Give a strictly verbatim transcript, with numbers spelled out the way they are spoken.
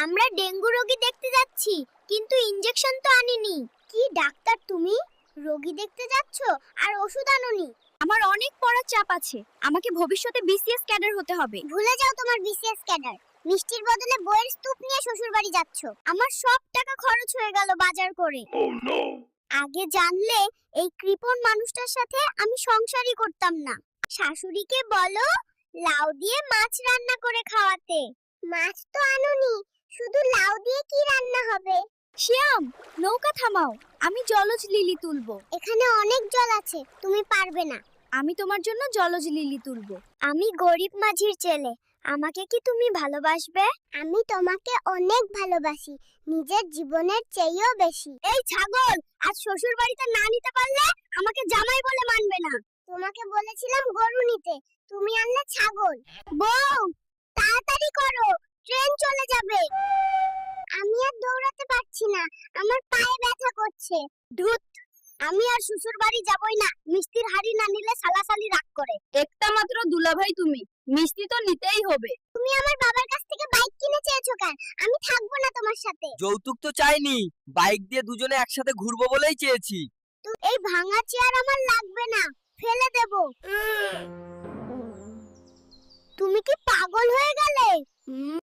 আমরা ডেঙ্গু রোগী দেখতে যাচ্ছি, কিন্তু ইনজেকশন তো আনিনি। কি ডাক্তার তুমি? রোগী দেখতে যাচ্ছ আর ওষুধ আনোনি? আমার অনেক পড়ার চাপ আছে। আমাকে ভবিষ্যতে বিসিএস ক্যাডার হতে হবে। ভুলে যাও তোমার বিসিএস ক্যাডার। মিষ্টির বদলে বইয়ের স্তূপ নিয়ে শ্বশুর বাড়ি যাচ্ছ। আমার সব টাকা খরচ হয়ে গেল বাজার করে। আগে জানলে এই কৃপণ মানুষটার সাথে আমি সংসারই করতাম না। শাশুড়িকে বলো লাউ দিয়ে মাছ রান্না করে খাওয়াতে। মাছ তো আনোনি, শুধু লাউ দিয়ে কি রান্না হবে? শ্যাম, নৌকা থামাও, আমি জলজ লিলি তুলবো। এখানে অনেক জল আছে, তুমি পারবে না। আমি তোমার জন্য জলজ লিলি তুলবো। আমি গরিব মাঝির ছেলে, আমাকে কি তুমি ভালোবাসবে? আমি তোমাকে অনেক ভালোবাসি, নিজের জীবনের চেয়েও বেশি। এই ছাগল, আজ শ্বশুর বাড়িতে না নিতে পারলে আমাকে জামাই বলে মানবে না। তোমাকে বলেছিলাম গরু নিতে, তুমি আনলে ছাগল। বউ, তাড়াতাড়ি করো, ট্রেন চলে যাবে। আমি আর দৌড়াতে পারছি না, আমার পায়ে ব্যথা করছে। ধুত, আমি আর শ্বশুর বাড়ি যাবই না। মিষ্টির হাড়ি না নিলে সালাসালি রাগ করে। একটা মাত্র দুলাভাই তুমি, মিষ্টি তো নিতেই হবে। তুমি আমার বাবার কাছ থেকে বাইক কিনে চেয়েছো কেন? আমি থাকবো না তোমার সাথে। যৌতুক তো চাইনি, বাইক দিয়ে দুজনে একসাথে ঘুরবো বলেই চেয়েছি। এই ভাঙা চেয়ার আমার লাগবে না, ফেলে দেব। তুমি কি পাগল হয়ে গেলে?